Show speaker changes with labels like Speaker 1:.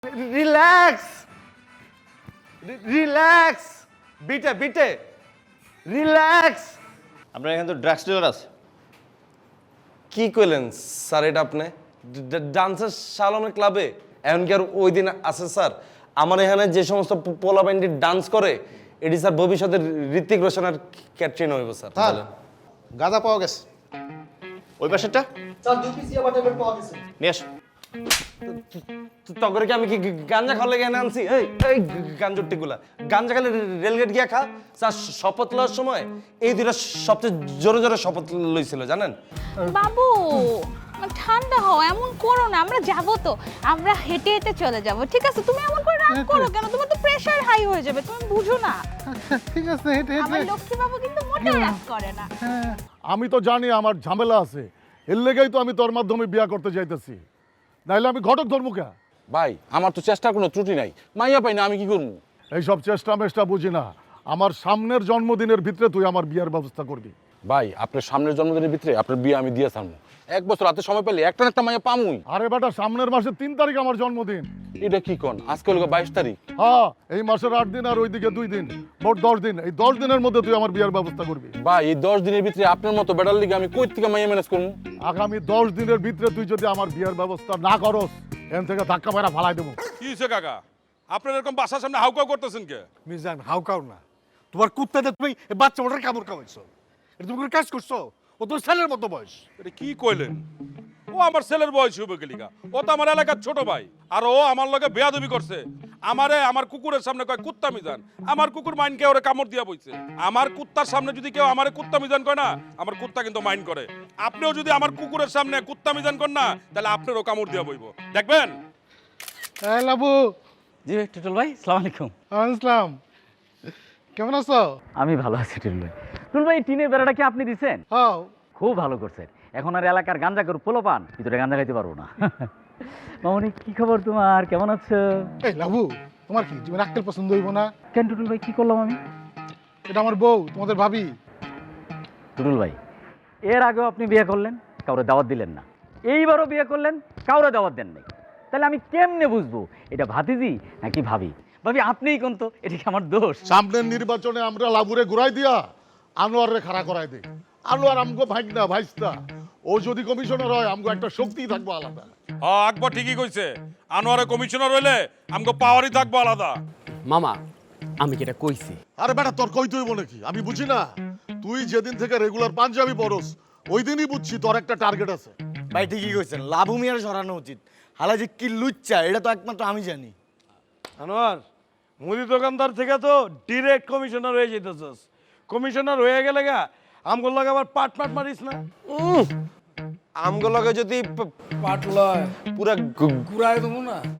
Speaker 1: Relax relax বিটে বিটে relax.
Speaker 2: আপনার এখানে তো ড্রাগস ডিলার আছে।
Speaker 1: কি কইলেন স্যার এটা আপনি? ডান্সার শালমের ক্লাবে এখন কি আর ওই দিন আছে স্যার? আমার এখানে যে সমস্ত পোলা ব্যান্ডি ডান্স করে এটি স্যার ভবিষ্যতে ঋত্বিক রোশন আর ক্যাটরিনা হইব স্যার।
Speaker 3: স্যার
Speaker 1: বলেন।
Speaker 3: গাঁজা পাওয়া গেছে।
Speaker 2: ওই পাশেরটা
Speaker 3: স্যার 2 পিস ইয়াবা ট্যাবলেট পাওয়া গেছে।
Speaker 2: নিয়ে আসো।
Speaker 1: তখন কি আমি কি গাঞ্জা খাওয়ার লেগে এনে আনছি? এই এই গাঞ্জুর টিকুলা গাঞ্জা খালে রেলগেট গিয়া খা। স্যার শপথ লওয়ার সময় এই দুইটা সবচেয়ে জোরে জোরে শপথ লইছিল জানেন?
Speaker 4: বাবু ঠান্ডা হও, এমন করো না। আমরা যাব তো, আমরা হেঁটে হেঁটে চলে যাব, ঠিক আছে? তুমি এমন করে রাগ করো কেন? তোমার তো প্রেসার হাই হয়ে যাবে, তুমি বুঝো না।
Speaker 5: ঠিক আছে হেঁটে
Speaker 4: আমার
Speaker 5: হেঁটে
Speaker 4: লক্ষ্মী বাবু কিন্তু মোটেও রাগ করে না।
Speaker 5: আমি তো জানি আমার ঝামেলা আছে, এর লেগেই তো আমি তোর মাধ্যমে বিয়া করতে যাইতেছি, নাইলে আমি ঘটক ধর্মুকা।
Speaker 6: ভাই আমার তো চেষ্টার কোনো ত্রুটি নাই, মাইয়া পাই না, আমি কি করবো?
Speaker 5: এইসব চেষ্টা মেষ্টা বুঝি না। আমার সামনের জন্মদিনের ভিতরে তুই আমার বিয়ার ব্যবস্থা করবি।
Speaker 6: ভাই আপনার সামনের জন্মদিনের ভিতরে আপনার বিয়ে আমি দিয়ে ছাড়বো। 1 বছর হাতে সময় পেলে একটা না একটা মাইয়া পামুই।
Speaker 5: আরে বেটা, সামনের মাসের 3 তারিখ আমার জন্মদিন।
Speaker 6: এটা কি কোন? আজকে হলো 22 তারিখ।
Speaker 5: হ্যাঁ, এই মাসের 8 দিন আর ওইদিকে 2 দিন, মোট 10 দিন। এই 10 দিনের মধ্যে তুই আমার বিয়ার ব্যবস্থা করবি।
Speaker 6: ভাই এই 10 দিনের ভিতরে আপনার মতো বেটার লিগে আমি কই থেকে মাইয়া ম্যানেজ করবো?
Speaker 5: আগামী 10 দিনের ভিতরে তুই যদি আমার বিয়ার ব্যবস্থা না করস, এখান থেকে ধাক্কা মেরা ফালাই দেবো।
Speaker 7: কি হয়েছে কাকা? আপনার এরকম বাসার সামনে হাউকাউ করতেছেন কে?
Speaker 3: মিজান হাউকাও না, তোমার কুত্তাতে তুমি এই বাচ্চা ওটার কামড় খাওয়াইছো। এটা তুমি কোনো কাজ করছো? ও তোর ছেলের মতো বয়স।
Speaker 7: এটা কি কইলেন? ও আমার ছেলের বয়স হবে গেলিকা, ও তো আমার এলাকার ছোট ভাই, আর ও আমার লগে বেয়াদবি করছে। আমারে আমার কুকুরের সামনে কয় কুত্তা মিজান, আমার কুকুর মাইন কে ওরে কামড় দিয়া বইছে। আমার কুত্তার সামনে যদি কেউ আমারে কুত্তা মিজান কয় না, আমার কুত্তা কিন্তু মাইন করে। আপনিও যদি আমার কুকুরের সামনে কুত্তা মিজান করেন না, তাহলে আপনারও কামড় দিয়া বইব, দেখবেন।
Speaker 5: এই লাবু।
Speaker 8: জি টুটুল ভাই, সালাম আলাইকুম।
Speaker 5: আসসালাম, কেমন আছো?
Speaker 8: আমি ভালো আছি টুটুল ভাই। টুটুল ভাই, টিনের বেড়াটা কি আপনি দিচ্ছেন?
Speaker 5: হ্যাঁ।
Speaker 8: খুব ভালো করছেন। এখন আর এলাকার গাঞ্জা করে পোলো পান, ভিতরে গাঞ্জা খাইতে পারবো না। মামনি, কি খবর তোমার? কেমন আছো?
Speaker 5: এই লাবু, তোমার কি তুমি আক্কেল পছন্দ হইব না?
Speaker 8: কেন টুটুল ভাই, কি করলাম আমি?
Speaker 5: এটা আমার বউ, তোমাদের ভাবি।
Speaker 8: টুটুল ভাই, এর আগেও আপনি বিয়ে করলেন, কাউরে দাওয়াত দিলেন না। এইবারও বিয়ে করলেন, কাউরে দাওয়াত দেন নাই। তাহলে আমি কেমনে বুঝবো এটা ভাতিজি নাকি ভাবি? ভাবি আপনিই কোন তো, এটা কি আমার দোষ?
Speaker 5: সামনের নির্বাচনে আমরা লাবুরে ঘুরাই দিয়া আনোয়ারে খাড়া করাই দেই। আনোয়ার আমগো ভাগনা ভাইস্তা, ও যদি কমিশনার হয় আমগো একটা শক্তি থাকবো আলাদা।
Speaker 7: হ্যাঁ, আকবর ঠিকই কইছে। আনোয়ারে কমিশনার হইলে আমগো পাওয়ারই থাকবো আলাদা।
Speaker 9: মামা আমি কি এটা কইছি?
Speaker 5: আরে বেটা, তোর কইতে হইব নাকি? আমি বুঝি না? তুই যেদিন থেকে রেগুলার পাঞ্জাবি পরস ওই দিনই বুঝছি তোর একটা টার্গেট আছে।
Speaker 9: ভাই ঠিকই কইছেন, লাভু মিয়ার সরানো উচিত। হালা যে কি লুচ্চা এটা তো একমাত্র আমি জানি।
Speaker 3: আনোয়ার, মুদি দোকানদার থেকে তো ডিরেক্ট কমিশনার হয়ে যেতেছস। কমিশনার হয়ে গেলে গা আমগুলো লাগে আবার পাট মারিস না।
Speaker 1: আমগুলোকে যদি
Speaker 3: পাট লয়
Speaker 1: পুরা
Speaker 3: ঘুরাই দেবো না।